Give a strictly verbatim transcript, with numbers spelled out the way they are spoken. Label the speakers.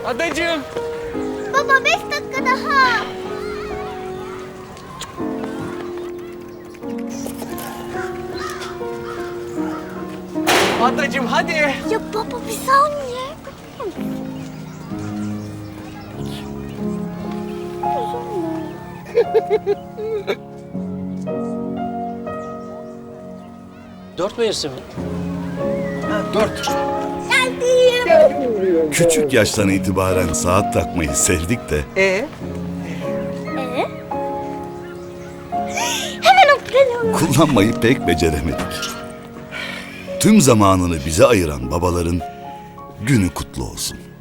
Speaker 1: Adacığım.
Speaker 2: Baba beş dakika daha.
Speaker 1: Adacığım hadi.
Speaker 2: Ya baba bir saniye.
Speaker 3: Dört mevsim mi?
Speaker 1: Dört.
Speaker 2: Geldim.
Speaker 4: Küçük yaştan itibaren saat takmayı sevdik de
Speaker 1: Ee?
Speaker 2: Ee? Hemen oturalım.
Speaker 4: kullanmayı pek beceremedik. Tüm zamanını bize ayıran babaların günü kutlu olsun.